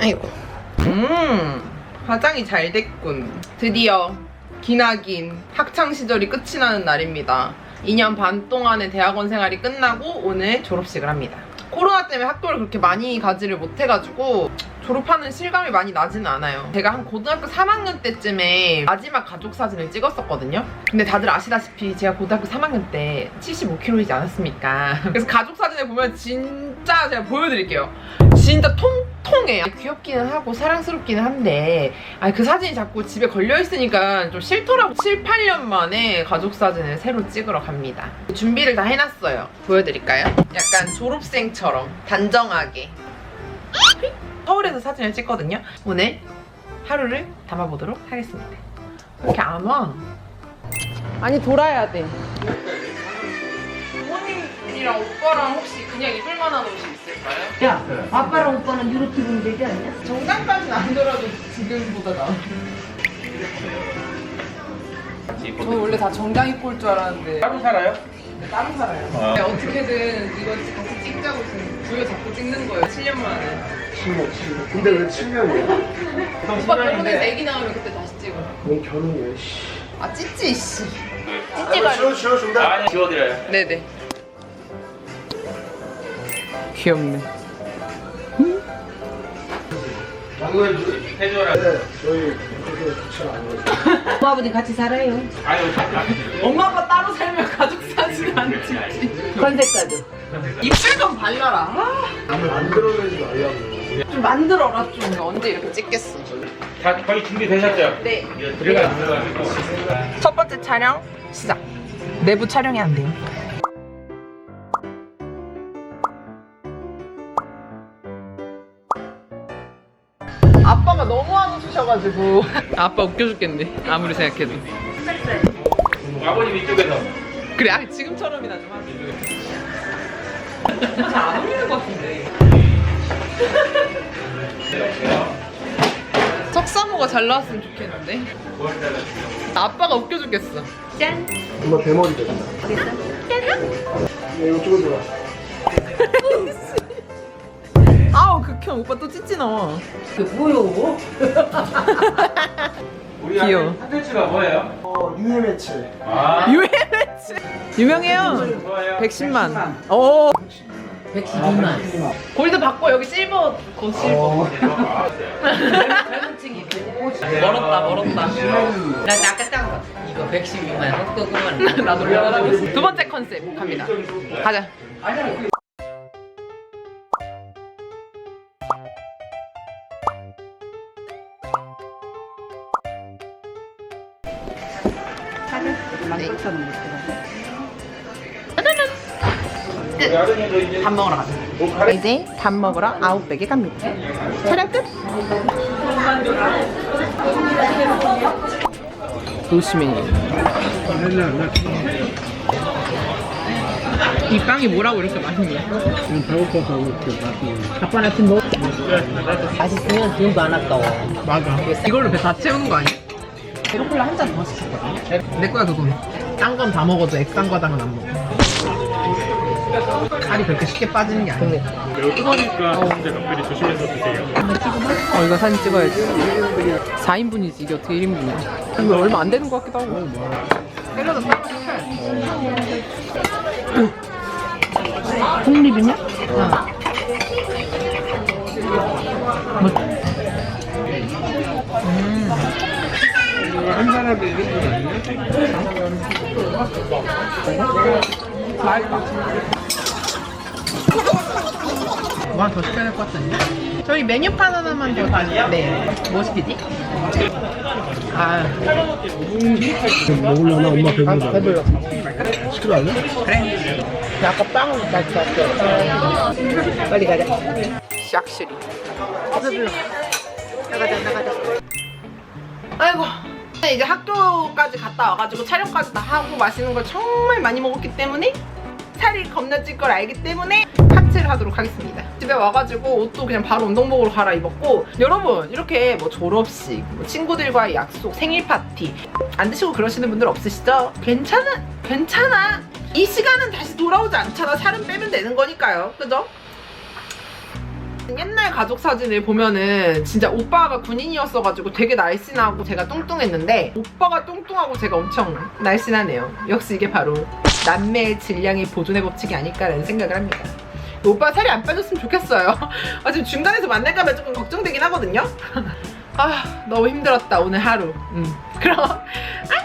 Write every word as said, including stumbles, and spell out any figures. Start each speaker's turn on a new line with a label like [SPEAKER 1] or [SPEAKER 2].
[SPEAKER 1] 아이고. 음, 화장이 잘 됐군. 드디어 기나긴 학창시절이 끝이 나는 날입니다. 이 년 반 동안의 대학원 생활이 끝나고 오늘 졸업식을 합니다. 코로나 때문에 학교를 그렇게 많이 가지를 못해가지고 졸업하는 실감이 많이 나지는 않아요. 제가 한 고등학교 삼 학년 때쯤에 마지막 가족 사진을 찍었었거든요. 근데 다들 아시다시피 제가 고등학교 삼 학년 때 칠십오 킬로그램이지 않았습니까? 그래서 가족 사진을 보면 진짜 제가 보여드릴게요. 진짜 통통해요. 귀엽기는 하고 사랑스럽기는 한데 아니 그 사진이 자꾸 집에 걸려있으니까 좀 싫더라고. 칠, 팔 년 만에 가족 사진을 새로 찍으러 갑니다. 준비를 다 해놨어요. 보여드릴까요? 약간 졸업생처럼 단정하게 서울에서 사진을 찍거든요. 오늘 하루를 담아보도록 하겠습니다. 왜 이렇게 안 와? 아니 돌아야 돼. 부모님이랑 오빠랑 혹시 그냥 입을 만한 옷이 있을까요?
[SPEAKER 2] 야, 아빠랑 오빠는 이렇게 입으면 되지 않냐?
[SPEAKER 1] 정장까지는 아니더라도 지금보다 나아. 저 원래 다 정장 입고 올 줄 알았는데
[SPEAKER 3] 따로 살아요?
[SPEAKER 1] 네, 따로 살아요.
[SPEAKER 3] 아.
[SPEAKER 1] 네, 어떻게든 이거 같이 찍자고 지금 부여 잡고 찍는 거예요. 칠 년 만에.
[SPEAKER 4] 칠 년, 칠 년. 근데 왜 칠 년이야?
[SPEAKER 1] 오빠 결혼해서 애기 나오면 그때 다시 찍어.
[SPEAKER 4] 뭔 결혼이야, 씨.
[SPEAKER 1] 아 찌찌 씨.
[SPEAKER 4] 아, 지워, 지워준다.
[SPEAKER 3] 아니 지워드려요.
[SPEAKER 1] 네네. 귀엽네.
[SPEAKER 3] 이거 해줘라.
[SPEAKER 4] 네, 저희 그렇게 좋지 않아요.
[SPEAKER 2] 엄마 아버지 같이 살아요.
[SPEAKER 3] 아유
[SPEAKER 1] 엄마 아빠 따로 살면 가족 사진 안 찍지.
[SPEAKER 2] 컨셉까지.
[SPEAKER 1] 입술 좀 발라라. 아,
[SPEAKER 4] 만들어내지 말라고.
[SPEAKER 1] 좀 만들어라 좀. 언제 이렇게 찍겠어.
[SPEAKER 3] 다 거의 준비되셨죠?
[SPEAKER 1] 네.
[SPEAKER 3] 들어가 들어가지고.
[SPEAKER 1] 첫 번째 촬영 시작. 내부 촬영이 안 돼요. 아빠가 너무 안 웃으셔가지고 아빠 웃겨 죽겠네. 아무리 생각해도.
[SPEAKER 3] 아버님 이쪽에서.
[SPEAKER 1] 그래, 아, 지금처럼이나 좀 하지. 잘 안 어울리는 것 같은데. 석사모가 잘 나왔으면 좋겠는데. 아빠가 웃겨 죽겠어.
[SPEAKER 2] 짠.
[SPEAKER 4] 엄마 대머리 됐다.
[SPEAKER 2] 됐어?
[SPEAKER 4] 야, 이거 찍어줘라.
[SPEAKER 1] 아우 극혐. 오빠 또 찌찌 나와.
[SPEAKER 2] 그 뭐요?
[SPEAKER 3] 우리
[SPEAKER 1] 귀여워.
[SPEAKER 3] 컨텐츠가 뭐예요?
[SPEAKER 4] 어, 유해매체.
[SPEAKER 3] 아.
[SPEAKER 1] 유해매치. 유명해요.
[SPEAKER 3] 좋아요.
[SPEAKER 1] 백십만. 오.
[SPEAKER 2] 백십이만.
[SPEAKER 1] 골드 받고 여기 실버 거 실버.
[SPEAKER 4] 어,
[SPEAKER 2] 젊은 층이
[SPEAKER 1] 멀었다 멀었다.
[SPEAKER 2] 나 아까 딱 이거 백십이만 헛거 그만.
[SPEAKER 1] 나도 올라가라고. 두 번째 컨셉 갑니다. 가자.
[SPEAKER 3] 우리 아드님도 이제
[SPEAKER 1] 밥 먹으러 가자. 이제 밥 먹으러 아웃백에 갑니다. 촬영 끝. 노시메뉴. 이 빵이 뭐라고 이렇게 맛있냐?
[SPEAKER 4] 배고파서 이렇게 맛있는.
[SPEAKER 1] 아빠는 지금 뭐?
[SPEAKER 2] 맛있으면 돈도 안 아까워.
[SPEAKER 1] 맞아. 이걸로 배 다 채우는 거 아니야? 베로콜라 한 잔 더 시켰거든. 내 거야 그건. 딴 건 다 먹어도 액상과당은 안 먹어. 살이 그렇게 쉽게 빠지는 게 아니야.
[SPEAKER 5] 매우 뜨거우니까 진짜 각별히 조심해서 드세요.
[SPEAKER 1] 어 이거 사진 찍어야지. 사 인분이지 이게 어떻게 일 인분이야. 이거 얼마 안 되는 것 같기도 하고. 샐러드 따로 시켜야지.
[SPEAKER 2] 홍립이냐?
[SPEAKER 4] 한 사람이 일 인분 아니야?
[SPEAKER 1] 맛있다. 뭐 하나 더 시켜야 될 것 같지 않냐? 저희 메뉴판 하나만 더 다시. 네. 뭐 시키지? 아,
[SPEAKER 4] 먹으려나? 엄마 배부르다. 배불러. 시켜달래?
[SPEAKER 1] 그래. 아까 빵을 다시 샀어.
[SPEAKER 2] 빨리 가자.
[SPEAKER 1] 샥실이.
[SPEAKER 2] 나가자 나가자.
[SPEAKER 1] 아이고. 이제 학교까지 갔다 와가지고 촬영까지 다 하고 맛있는 걸 정말 많이 먹었기 때문에 살이 겁나 찔 걸 알기 때문에 하체를 하도록 하겠습니다. 집에 와가지고 옷도 그냥 바로 운동복으로 갈아입었고, 여러분 이렇게 뭐 졸업식, 뭐 친구들과의 약속, 생일 파티 안 드시고 그러시는 분들 없으시죠? 괜찮아, 괜찮아. 이 시간은 다시 돌아오지 않잖아. 살은 빼면 되는 거니까요. 그죠? 옛날 가족 사진을 보면은 진짜 오빠가 군인이었어가지고 되게 날씬하고 제가 뚱뚱했는데 오빠가 뚱뚱하고 제가 엄청 날씬하네요. 역시 이게 바로 남매의 질량의 보존의 법칙이 아닐까라는 생각을 합니다. 오빠 살이 안 빠졌으면 좋겠어요. 아, 지금 중간에서 만날까봐 조금 걱정되긴 하거든요. 아, 너무 힘들었다 오늘 하루. 음. 그럼